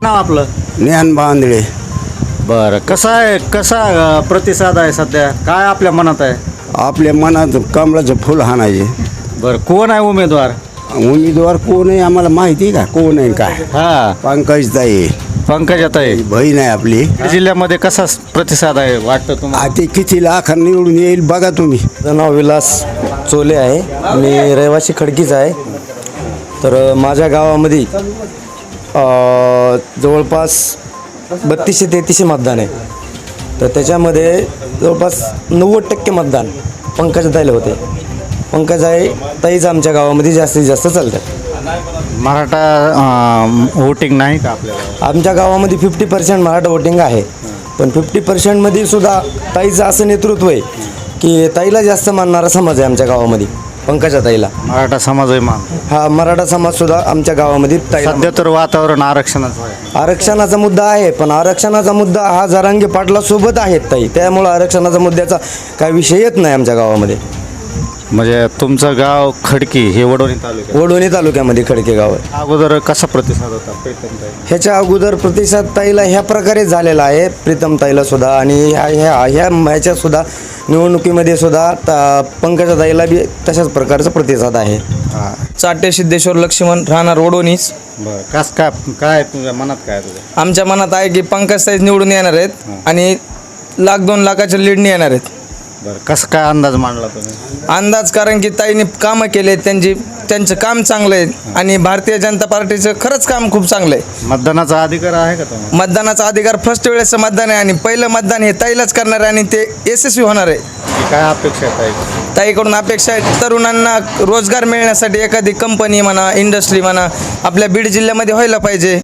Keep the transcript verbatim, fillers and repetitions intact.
नाव आपलं? ज्ञान बांधळे. बरं, कसा आहे कसा अ, प्रतिसाद आहे सध्या? काय आपल्या मनात आहे? आपल्या मनात कमळाचं फुल हाणायचे. बरं, कोण आहे उमेदवार? उमेदवार कोण आहे आम्हाला माहिती का कोण आहे काय? हा, पंकजताई पंकजाताई. बहीण आहे आपली. जिल्ह्यामध्ये कसा प्रतिसाद आहे वाटतं तुम्हाला? आ ते किती लाख निवडून येईल बघा तुम्ही. माझं नाव विलास चोले आहे. मी रहिवासी खडकीच आहे. तर माझ्या गावामध्ये अ, जवळपास बत्तीसशे तेहतीसशे मतदान आहे. तर त्याच्यामध्ये जवळपास नव्वद टक्के मतदान पंकजाताईला होते. पंकजाताई ताईच आमच्या गावामध्ये जास्तीत जास्त चालतात. मराठा वोटिंग नाही का आपल्याला? आमच्या गावामध्ये फिफ्टी पर्सेंट मराठा वोटिंग आहे. पण फिफ्टी पर्सेंटमध्ये सुद्धा ताईचं असं नेतृत्व आहे की ताईला जास्त मानणारा समाज आहे आमच्या गावामध्ये. पंकजाताईला मराठा समाज आहे मान. हा मराठा समाज सुद्धा आमच्या गावामध्ये ताईला सध्या तर वातावरण आरक्षणाचं आहे. आरक्षणाचा मुद्दा आहे. पण आरक्षणाचा मुद्दा हा जरांगे पाटला सोबत आहेत ताई, त्यामुळं आरक्षणाचा मुद्द्याचा काही विषय येत नाही आमच्या गावामध्ये. म्हणजे तुमचं गाव खडकी हे वडोणी तालुक्यात. वडोणी तालुक्यामध्ये खडके गाव आहे. अगोदर कसा प्रतिसाद होता प्रीतमताई? ह्याच्या अगोदर प्रतिसाद ताईला ह्या प्रकारे झालेला आहे, प्रीतम ताईला सुद्धा आणि ह्या ह्या ह्या ह्याच्यात सुद्धा निवडणुकीमध्ये सुद्धा ता पंकजा ताईला बी तशाच प्रकारचा प्रतिसाद आहे. हां, चाटे सिद्धेश्वर लक्ष्मण राहणार वडोणीच. बरं. कस काय काय तुझ्या मनात काय तुझ्या? आमच्या मनात आहे की पंकज ताईच निवडून येणार आहेत आणि लाख दोन लाखाच्या लीडने येणार आहेत. बरं, कसं काय अंदाज मांडला तुम्ही? अंदाज कारण की ताईने कामं केले, त्यांची त्यांचं काम चांगलं आहे आणि भारतीय जनता पार्टीचं खरंच काम खूप चांगलं आहे. मतदानाचा अधिकार आहे का तुम्हाला? मतदानाचा अधिकार फर्स्ट वेळेचं मतदान आहे आणि पहिलं मतदान हे ताईलाच करणार आहे आणि ते यशस्वी होणार आहे. काय अपेक्षा आहे ताई? ताईकडून अपेक्षा आहे तरुणांना रोजगार मिळण्यासाठी एखादी कंपनी म्हणा, इंडस्ट्री म्हणा आपल्या बीड जिल्ह्यामध्ये व्हायला पाहिजे.